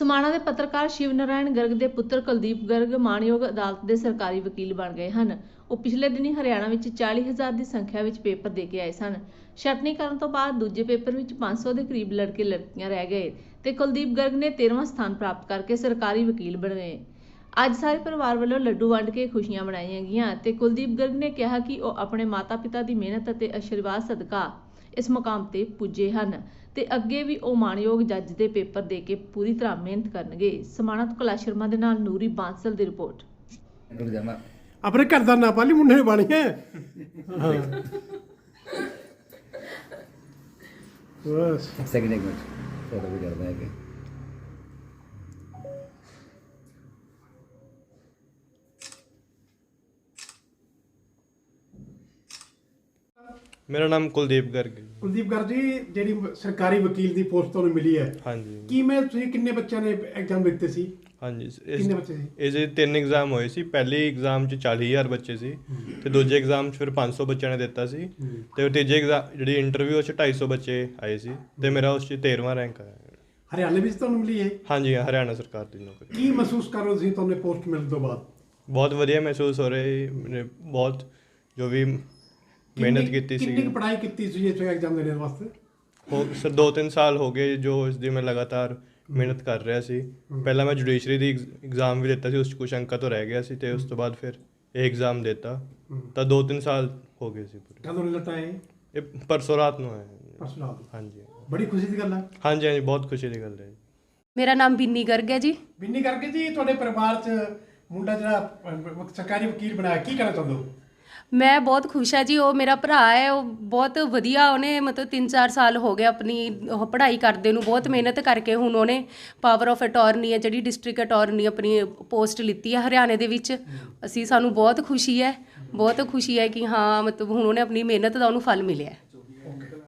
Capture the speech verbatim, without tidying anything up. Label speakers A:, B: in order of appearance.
A: समाणा के पत्रकार शिव नारायण गर्ग के पुत्र कुलदीप गर्ग माणयोग अदालत के सरकारी वकील बन गए हैं। वो पिछले दिनी हरियाणा में चाली हज़ार की संख्या में पेपर दे के आए सन। छटनीकरण तो बाद दूजे पेपर में पाँच सौ के करीब लड़के लड़कियां रह गए तो कुलदीप गर्ग ने तेरहवां स्थान प्राप्त करके सरकारी वकील बन गए। अज सारे परिवार वालों लड्डू वंड के खुशियां मनाई गईयां ते कुलदीप गर्ग ने कहा कि वह अपने माता पिता की मेहनत और आशीर्वाद सदका इस मुकाम ते पुजे हैं ते अगे भी वो माणयोग जज के पेपर दे के पूरी तरह मेहनत करनगे। समाणा तो कैलाश शर्मा दे नाल नूरी बांसल की रिपोर्ट।
B: अपने घर का ना पाली मुंडे ने पानी है। हाँ। बस
C: सेकंड एक मिनट फोटो भी करते हैं कि
D: मेरा नाम कुलदीप गर्ग है।
B: ਕੁਲਦੀਪ ਗਰ ਜੀ ਜਿਹੜੀ ਸਰਕਾਰੀ ਵਕੀਲ ਦੀ ਪੋਸਟ ਤੁਹਾਨੂੰ ਮਿਲੀ ਹੈ,
D: ਹਾਂਜੀ
B: ਕੀ ਮੈਂ ਤੁਸੀਂ ਕਿੰਨੇ ਬੱਚਿਆਂ ਨੇ ਐਗਜ਼ਾਮ ਦਿੱਤੇ ਸੀ?
D: ਹਾਂਜੀ
B: ਕਿੰਨੇ ਬੱਚੇ ਸੀ?
D: ਇਹਦੇ ਤਿੰਨ ਐਗਜ਼ਾਮ ਹੋਏ ਸੀ। ਪਹਿਲੇ ਐਗਜ਼ਾਮ 'ਚ ਚਾਲੀ ਹਜ਼ਾਰ ਬੱਚੇ ਸੀ ਤੇ ਦੂਜੇ ਐਗਜ਼ਾਮ 'ਚ ਫਿਰ ਪੰਜ ਸੌ ਬੱਚਿਆਂ ਨੇ ਦਿੱਤਾ ਸੀ ਤੇ ਤੀਜੇ ਐਗਜ਼ਾਮ ਜਿਹੜੀ ਇੰਟਰਵਿਊ 'ਚ ਢਾਈ ਸੌ ਬੱਚੇ ਆਏ ਸੀ ਤੇ ਮੇਰਾ ਉਸ 'ਚ ਤੇਰਵਾਂ ਰੈਂਕ ਆਇਆ।
B: ਹਰਿਆਣਾ ਵਿੱਚ ਤੁਹਾਨੂੰ ਮਿਲੀ ਹੈ?
D: ਹਾਂਜੀ ਹਰਿਆਣਾ ਸਰਕਾਰ ਦੀ ਨੌਕਰੀ।
B: ਕੀ ਮਹਿਸੂਸ ਕਰ ਰਹੇ ਹੋ ਤੁਸੀਂ ਤੁਹਾਨੂੰ ਪੋਸਟ ਮਿਲਣ ਤੋਂ ਬਾਅਦ?
D: ਬਹੁਤ ਵਧੀਆ ਮਹਿਸੂਸ ਹੋ ਰਿਹਾ ਹੈ। ਮੈਨੇ ਬਹੁਤ ਜੋ ਵੀ ਮਿਹਨਤ ਕੀਤੀ ਸੀ।
B: ਕਿੰਨੀ ਪੜ੍ਹਾਈ ਕੀਤੀ ਸੀ ਇਸ ਐਗਜ਼ਾਮ ਦੇਣ ਵਾਸਤੇ?
D: ਹੋ ਸਰ ਦੋ ਤਿੰਨ ਸਾਲ ਹੋ ਗਏ ਜੋ ਇਸ ਦੀ ਮੈਂ ਲਗਾਤਾਰ ਮਿਹਨਤ ਕਰ ਰਿਹਾ ਸੀ। ਪਹਿਲਾਂ ਮੈਂ ਜੁਡੀਸ਼ਰੀ ਦੀ ਐਗਜ਼ਾਮ ਵੀ ਦਿੱਤਾ ਸੀ, ਉਸ 'ਚ ਕੁਛ ਅੰਕਾਂ ਤੋਂ ਰਹਿ ਗਿਆ ਸੀ ਤੇ ਉਸ ਤੋਂ ਬਾਅਦ ਫਿਰ ਇਹ ਐਗਜ਼ਾਮ ਦਿੱਤਾ ਤਾਂ ਦੋ ਤਿੰਨ ਸਾਲ ਹੋ ਗਏ ਸੀ ਪੂਰੇ।
B: ਕਦੋਂ ਰਿਜ਼ਲਟ ਆਇਆ?
D: ਇਹ ਪਰਸੋਂ ਰਾਤ ਨੂੰ ਆਇਆ।
B: ਪਰਸੋਂ ਰਾਤ?
D: ਹਾਂਜੀ
B: ਬੜੀ ਖੁਸ਼ੀ ਦੀ ਗੱਲ ਹੈ।
D: ਹਾਂਜੀ ਹਾਂਜੀ ਬਹੁਤ ਖੁਸ਼ੀ ਦੀ ਗੱਲ ਹੈ।
E: ਮੇਰਾ ਨਾਮ ਬਿੰਨੀ ਗਰਗ ਹੈ ਜੀ।
B: ਬਿੰਨੀ ਕਰਕੇ ਜੀ ਤੁਹਾਡੇ ਪਰਿਵਾਰ 'ਚ ਮੁੰਡਾ ਜਿਹੜਾ ਅਹ, ਸਰਕਾਰੀ ਵਕੀਲ ਬਣਾਇਆ, ਕੀ ਕਹਿਣਾ ਚਾਹੁੰਦੇ ਹੋ?
E: ਮੈਂ ਬਹੁਤ ਖੁਸ਼ ਹਾਂ ਜੀ। ਉਹ ਮੇਰਾ ਭਰਾ ਹੈ, ਉਹ ਬਹੁਤ ਵਧੀਆ, ਉਹਨੇ ਮਤਲਬ ਤਿੰਨ ਚਾਰ ਸਾਲ ਹੋ ਗਏ ਆਪਣੀ ਉਹ ਪੜ੍ਹਾਈ ਕਰਦੇ ਨੂੰ, ਬਹੁਤ ਮਿਹਨਤ ਕਰਕੇ ਹੁਣ ਉਹਨੇ ਪਾਵਰ ਆਫ ਅਟਾਰਨੀ ਹੈ ਜਿਹੜੀ ਡਿਸਟ੍ਰਿਕਟ ਅਟਾਰਨੀ ਆਪਣੀ ਪੋਸਟ ਲਿੱਤੀ ਹੈ ਹਰਿਆਣੇ ਦੇ ਵਿੱਚ। ਅਸੀਂ ਸਾਨੂੰ ਬਹੁਤ ਖੁਸ਼ੀ ਹੈ, ਬਹੁਤ ਖੁਸ਼ੀ ਹੈ ਕਿ ਹਾਂ ਮਤਲਬ ਹੁਣ ਉਹਨੇ ਆਪਣੀ ਮਿਹਨਤ ਦਾ ਉਹਨੂੰ ਫਲ ਮਿਲਿਆ।